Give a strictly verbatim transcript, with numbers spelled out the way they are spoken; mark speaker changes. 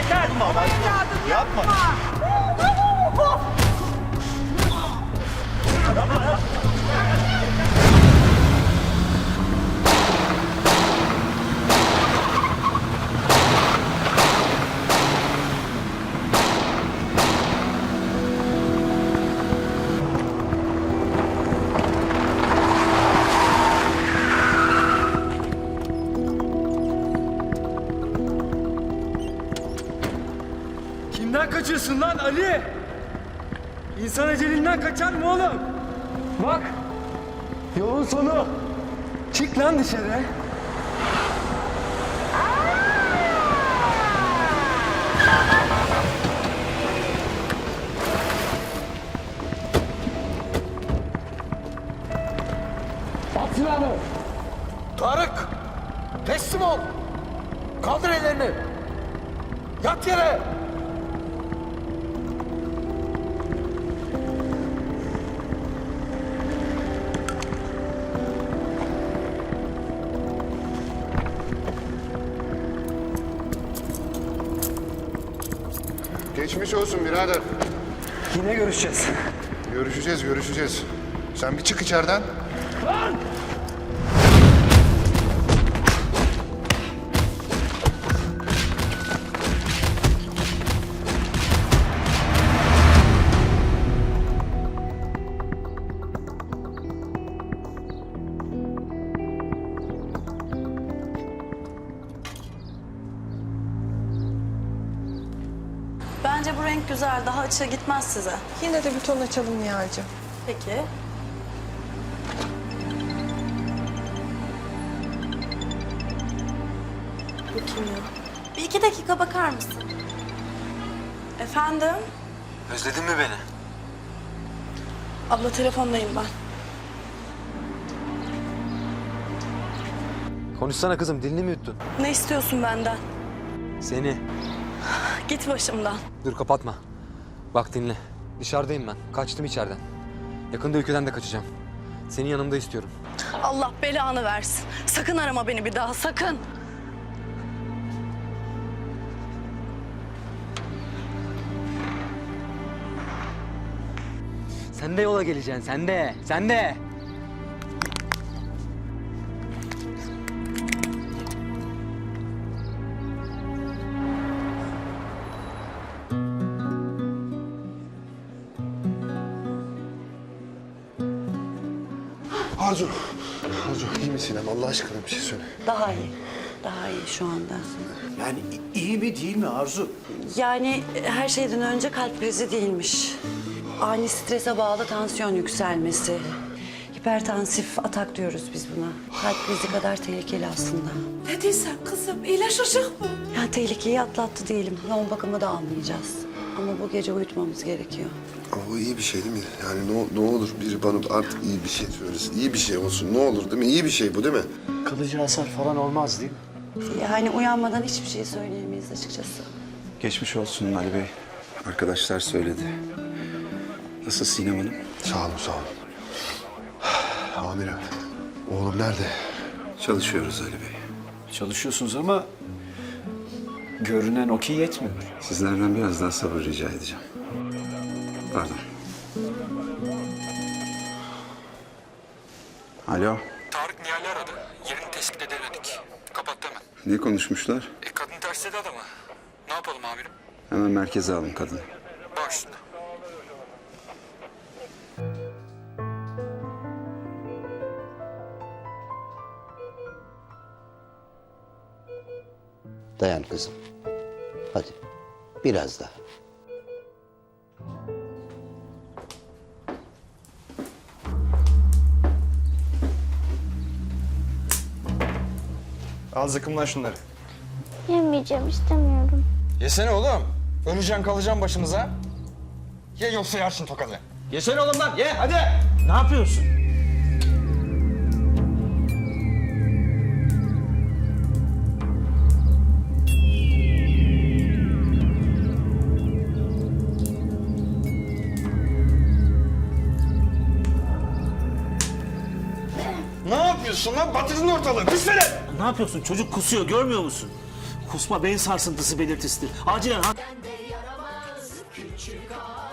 Speaker 1: yeter.
Speaker 2: Yapma,
Speaker 1: Evladım yapma.
Speaker 3: Kimden kaçıyorsun lan Ali? İnsan ecelinden kaçar mı oğlum? Bak, yolun sonu. Çık lan dışarı. At silahını.
Speaker 2: Tarık! Teslim ol! Kaldır ellerini! Yat yere!
Speaker 4: Geçmiş olsun birader.
Speaker 3: Yine görüşeceğiz.
Speaker 4: Görüşeceğiz, görüşeceğiz. Sen bir çık içeriden.
Speaker 5: Bence bu renk güzel. Daha açığa gitmez size.
Speaker 6: Yine de bir ton açalım Nihal'cığım.
Speaker 5: Peki. Bu kim ya? Bir iki dakika bakar mısın? Efendim?
Speaker 7: Özledin mi beni?
Speaker 5: Abla telefondayım ben.
Speaker 7: Konuşsana kızım, dilini mi yuttun?
Speaker 5: Ne istiyorsun benden?
Speaker 7: Seni.
Speaker 5: Git başımdan.
Speaker 7: Dur kapatma. Bak dinle. Dışarıdayım ben. Kaçtım içeriden. Yakında ülkeden de kaçacağım. Seni yanımda istiyorum.
Speaker 5: Allah belanı versin. Sakın arama beni bir daha, sakın.
Speaker 7: Sen de yola geleceksin, sen de. Sen de.
Speaker 4: Arzu. Arzu iyi misin ama Allah aşkına bir şey söyle.
Speaker 8: Daha iyi. Daha iyi şu anda.
Speaker 2: Yani iyi mi değil mi Arzu?
Speaker 8: Yani her şeyden önce kalp krizi değilmiş. Ani strese bağlı tansiyon yükselmesi. Hipertansif atak diyoruz biz buna. Kalp krizi kadar tehlikeli aslında.
Speaker 6: Ne diyorsun kızım? İyileşecek mi?
Speaker 8: Yani tehlikeyi atlattı diyelim. Yoğun bakımı da almayacağız. Ama bu gece uyutmamız gerekiyor.
Speaker 4: Ama bu iyi bir şey değil mi? Yani ne, ne olur biri bana artık iyi bir şey söylesin. İyi bir şey olsun ne olur değil mi? İyi bir şey bu değil mi?
Speaker 2: Kalıcı hasar falan olmaz değil mi?
Speaker 8: Yani uyanmadan hiçbir şey söyleyemeyiz açıkçası.
Speaker 9: Geçmiş olsun Ali Bey. Arkadaşlar söyledi. Nasıl Sinem Hanım?
Speaker 4: Sağ olun sağ olun. Amirim oğlum nerede?
Speaker 9: Çalışıyoruz Ali Bey.
Speaker 2: Çalışıyorsunuz ama görünen o ki yetmiyor.
Speaker 9: Sizlerden biraz daha sabır rica edeceğim. Pardon. Alo.
Speaker 10: Tarık Nihal'i aradı. Yerini tespit edemedik. Kapattı hemen.
Speaker 9: Ne konuşmuşlar?
Speaker 10: E kadın tersledi adamı. Ne yapalım amirim?
Speaker 9: Hemen merkeze alın kadını.
Speaker 10: Baş üstüne.
Speaker 11: Dayan kızım. Hadi. Biraz daha.
Speaker 2: Al zıkkımlan şunları.
Speaker 12: Yemeyeceğim, istemiyorum.
Speaker 2: Yesene oğlum. Öleceksin kalacaksın başımıza. Ye yoksa yersin tokadı. Yesene oğlum lan ye hadi. Ne yapıyorsun? Ne yapıyorsun lan? Batırdın ortalığı. Pis velet!
Speaker 13: Ne yapıyorsun? Çocuk kusuyor, görmüyor musun?
Speaker 3: Kusma beyin sarsıntısı belirtisidir. Acilen...